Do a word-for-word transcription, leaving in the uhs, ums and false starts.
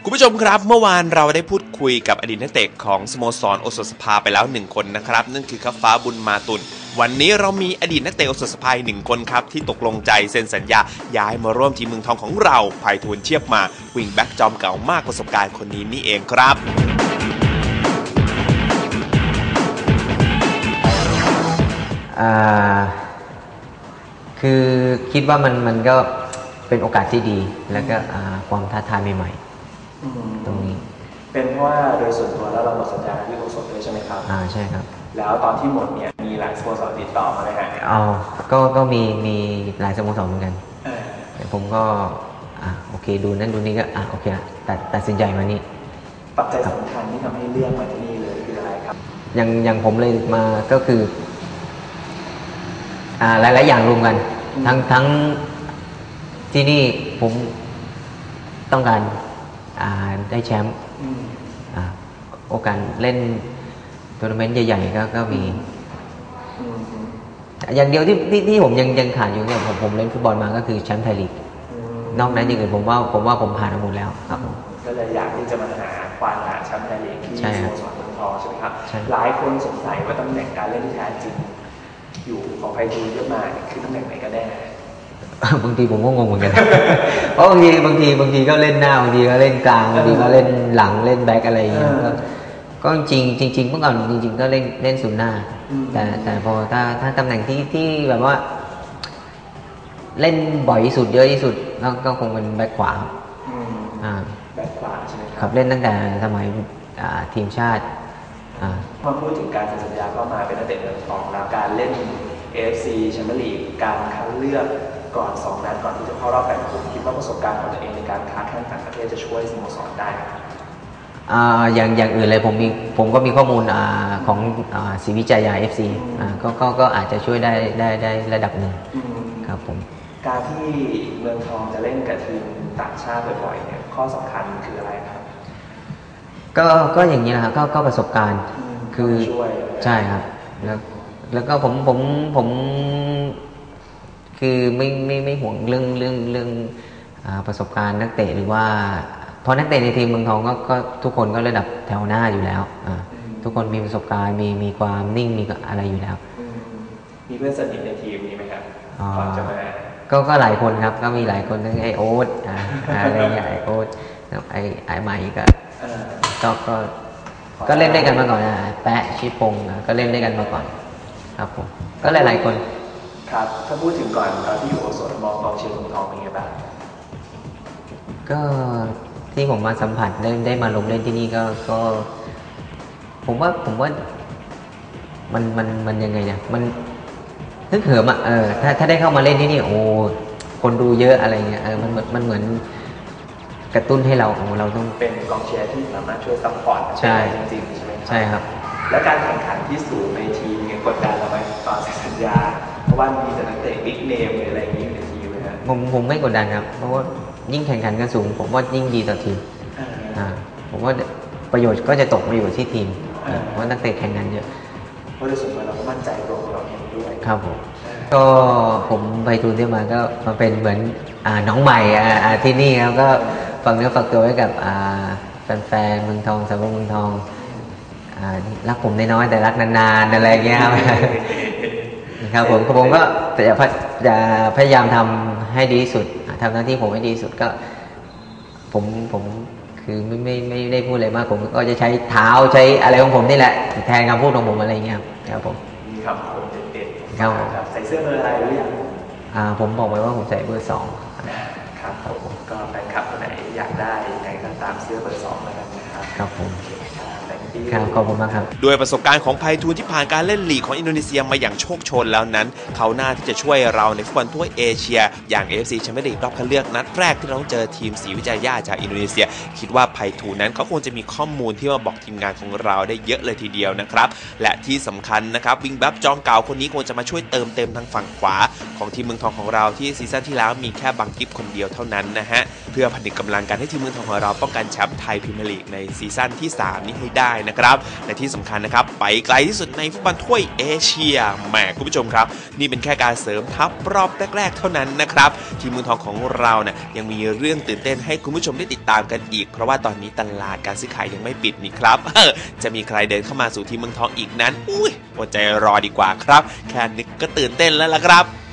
คุณผู้ชมครับเมื่อวานเราได้พูดคุยกับอดีตนักเตะของสโมสรโอสถสภาไปแล้วหนึ่งคนนะครับนั่นคือคัฟฟ้าบุญมาตุลวันนี้เรามีอดีตนักเตะโอสถสภาหนึ่งคนครับที่ตกลงใจเซ็นสัญญาย้ายมาร่วมทีมเมืองทองของเราไผ่ทูลเชียบมาวิงแบ็กจอมเก่ามากประสบการณ์คนนี้นี่เองครับอ่าคือคิดว่ามันมันก็เป็นโอกาสที่ดีแล้วก็ความท้าทายใหม่ๆตรงนี้เป็นเพราะว่าโดยส่วนตัวแล้วเราหมดสัญญาที่โอสถด้วยใช่ไหมครับอ่าใช่ครับแล้วตอนที่หมดเนี่ยมีหลายสโมสรติดต่อมาไหมฮะอ๋อก็ก็มีมีหลายสโมสรเหมือนกันแต่ผมก็อ่าโอเคดูนั่นดูนี่ก็อ่าโอเคตัดตัดสินใจมานี่ปัจจัยสำคัญที่ทำให้เลือกมาที่นี่เลยคืออะไรครับอย่างอย่างผมเลยมาก็คืออ่าหลายๆอย่างรวมกันทั้งทั้งที่นี่ผมต้องการอ่าได้แชมป์อ่าโอกาสเล่นทัวร์นาเมนต์ใหญ่ๆก็ก็มีอย่างเดียวที่ที่ที่ผมยังยังขาดอยู่เนี่ยผมผมเล่นฟุตบอลมาก็คือแชมป์ไทยลีกนอกนั้นอย่างอื่นผมว่าผมว่าผมผ่านหมดแล้วครับผมก็เลยอยากที่จะมาหาความหาแชมป์ไทยลีกที่สโมสรเมืองทองใช่ไหมครับหลายคนสงสัยว่าตำแหน่งการเล่นที่แท้จริงอยู่ของไพฑูรย์เยอะมากคือตำแหน่งไหนกันแน่บางทีผมก็งงเหมือนกันเพราะบางทีบางทีบางทีก็เล่นหน้าบางทีก็เล่นกลางบางทีก็เล่นหลังเล่นแบ็คอะไรอย่างเงี้ยก็จริงจริงเมื่อก่อนจริงๆก็เล่นเล่นศูนย์หน้าแต่แต่พอถ้าถ้าตำแหน่งที่ที่แบบว่าเล่นบ่อยที่สุดเยอะที่สุดก็ก็คงเป็นแบ็คขวาอ่าแบ็คขวาใช่ไหมครับเล่นตั้งแต่สมัยทีมชาติมาพูดถึงการเซ็นสัญญาเข้ามาเป็นนักเตะเมืองทองแล้วการเล่น เอ เอฟ ซี แชมเปี้ยนลีกการคัดเลือกก่อนสองนัดก่อนที่จะเข้ารอบแบ่งกลุ่มคิดว่าประสบการณ์ของตัวเองในการค้าแข่งต่างประเทศจะช่วยสโมสรได้อ่าอย่างอย่างอื่นเลยผมมีผมก็มีข้อมูลอ่าของอ่าศรีวิจัยยา เอฟ ซี อ่าก็ก็ก็อาจจะช่วยได้ได้ได้ระดับหนึ่งครับผมการที่เมืองทองจะเล่นกับทีมต่างชาติบ่อยๆเนี่ยข้อสำคัญคืออะไรครับก็ก็อย่างนี้นะครับก็ก็ประสบการณ์คือใช่ครับแล้วแล้วก็ผมผมผมคือไม่ไม่ไม่ห่วงเรื่องเรื่องเรื่องประสบการณ์นักเตะหรือว่าเพราะนักเตะในทีมเมืองทองก็ก็ทุกคนก็ระดับแถวหน้าอยู่แล้วทุกคนมีประสบการณ์มีมีความนิ่งมีอะไรอยู่แล้วมีเพื่อนสนิทในทีมนี้ไหมครับก่อนจะมาก็ก็หลายคนครับก็มีหลายคนทั้งไอโอ๊ตอะไรเงี้ยไอโอ๊ตไอไอใหม่ก็ก็ก็ก็เล่นด้วยกันมาก่อนนะแปะชิปงก็เล่นด้วยกันมาก่อนครับผมก็หลายๆคนครับถ้าพูดถึงก่อนตอนที่อยู่โอสถมองกองเชียร์เมืองทองเป็นไงบ้างก็ที่ผมมาสัมผัสได้ได้มาลงเล่นที่นี่ก็ก็ผมว่าผมว่ามันมันมันยังไงเนี่ยมันนึกเหิมอ่ะเออถ้าถ้าได้เข้ามาเล่นที่นี่โอ้คนดูเยอะอะไรเงี้ยเออมันมันเหมือนกระตุ้นให้เราของเราต้องเป็นกองเชียร์ที่สามารถช่วยซัพพอร์ตจริงๆใช่ไหมใช่ครับและการแข่งขันที่สูงในทีมเนี่ยกดดันเราไหมตอนเซ็นสัญญาเพราะว่ามีแต่นักเตะบิ๊กเนมหรืออะไรอย่างนี้อยู่ในทีมเลยนะผมผมไม่กดดันครับเพราะว่ายิ่งแข่งขันกันสูงผมว่ายิ่งดีต่อทีมอ่าผมว่าประโยชน์ก็จะตกมาอยู่ที่ทีมเพราะนักเตะแข่งกันเยอะเพราะในส่วนตัวเราก็มั่นใจตัวเราเองด้วยครับผมก็ผมไปทูนที่มาก็มาเป็นเหมือนอ่าน้องใหม่อ่าที่นี่ครับก็ฝากเนื้อฝากตัวไว้กับอ่าแฟนๆเมืองทองสาวกเมืองทองรักผมน้อยๆแต่รักนานๆอะไรเงี้ยครับครับผมผมก็จะจะพยายามทำให้ดีที่สุดทำหน้าที่ผมให้ดีที่สุดก็ผมผมคือไม่ไม่ไม่ได้พูดอะไรมากผมก็จะใช้เท้าใช้อะไรของผมนี่แหละแทนคำพูดของผมอะไรเงี้ยครับผมมีคำผมเด็ดๆครับใส่เสื้อเบอร์อะไรหรือยังอ่าผมบอกไว้ว่าผมใส่เบอร์สองครับผมก็แฟนคลับคนไหนอยากได้ยังไงก็ตามเสื้อเบอร์สองแล้วกันนะครับครับผมครับขอบคุณมากครับด้วยประสบการณ์ของไพฑูรย์ที่ผ่านการเล่นลีกของอินโดนีเซียมาอย่างโชคโชนแล้วนั้นเขาหน้าที่จะช่วยเราในฟุตบอลทั่วเอเชียอย่าง เอ เอฟ ซี แชมเปี้ยนลีกรอบคัดเลือกนัดแรกที่เราต้องเจอทีมศรีวิจัยย่าจากอินโดนีเซียคิดว่าไพฑูรย์นั้นเขาคงจะมีข้อมูลที่มาบอกทีมงานของเราได้เยอะเลยทีเดียวนะครับและที่สำคัญนะครับวิงแบ็คจอมเก่าคนนี้คงจะมาช่วยเติมเต็มทางฝั่งขวาของทีมเมืองทองของเราที่ซีซั่นที่แล้วมีแค่บังกิฟคนเดียวเท่านั้นนะฮะพื่อผนึกกำลังกันให้ทีมเมืองทองของเราป้องกันแชมป์ไทยพรีเมียร์ลีกในซีซั่นที่สามนี้ให้ได้นะครับและที่สำคัญนะครับไปไกลที่สุดในฟุตบอลถ้วยเอเชียแหมคุณผู้ชมครับนี่เป็นแค่การเสริมทัพรอบแรกๆเท่านั้นนะครับทีมเมืองทองของเราเนี่ยยังมีเรื่องตื่นเต้นให้คุณผู้ชมได้ติดตามกันอีกเพราะว่าตอนนี้ตลาดการซื้อขายยังไม่ปิดนี่ครับจะมีใครเดินเข้ามาสู่ทีมเมืองทองอีกนั้นอุ้ยอดใจรอดีกว่าครับแค่นึกก็ตื่นเต้นแล้วล่ะครับ